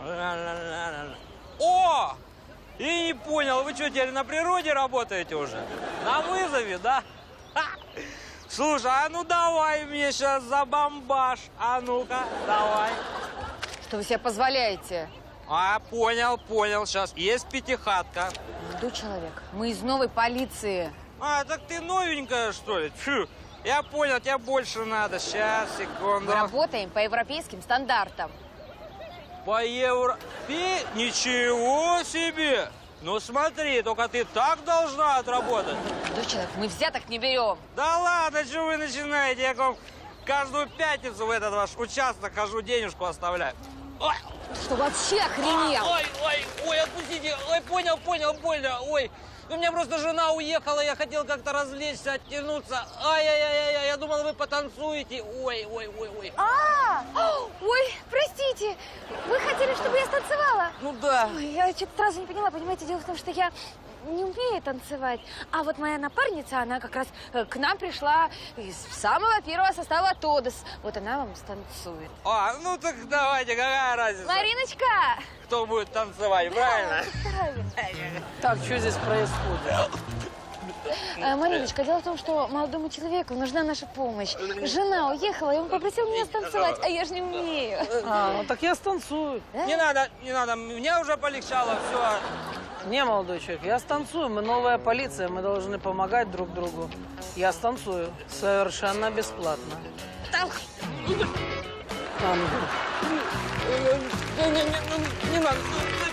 О! И не понял, вы что, теперь на природе работаете уже? На вызове, да? Ха! Слушай, а ну давай мне сейчас забомбаш. А ну-ка, давай. Что вы себе позволяете? А, понял. Сейчас есть пятихатка. Молодой человек, мы из новой полиции. А, так ты новенькая, что ли? Фу, я понял, тебе больше надо. Сейчас, секунду. Мы работаем по европейским стандартам. По евро... Ничего себе! Ну смотри, только ты так должна отработать. Молодой человек, мы взяток не берем. Да ладно, что вы начинаете? Я к вам каждую пятницу в этот ваш участок хожу, денежку оставляю. Ой, Что вообще охренел? ой, отпустите. Ой, понял, больно. Ой, у меня просто жена уехала, я хотел как-то развлечься, оттянуться. Ай-яй-яй, я думал, вы потанцуете. Ой. Ой, простите, вы хотели, чтобы я станцевала? Ну да. Ой, я что-то сразу не поняла, понимаете, дело в том, что я не умею танцевать. А вот моя напарница, она как раз к нам пришла из самого первого состава ТОДОС. Вот она вам станцует. А, ну так давайте, какая разница? Мариночка! Кто будет танцевать, правильно? Правильно. Так, что здесь происходит? Мариночка, дело в том, что молодому человеку нужна наша помощь. Жена уехала, и он попросил меня станцевать, а я же не умею. Ну так я станцую. Не надо, мне уже полегчало, все. Не, молодой человек, я станцую. Мы новая полиция, мы должны помогать друг другу. Я станцую совершенно бесплатно. Не надо.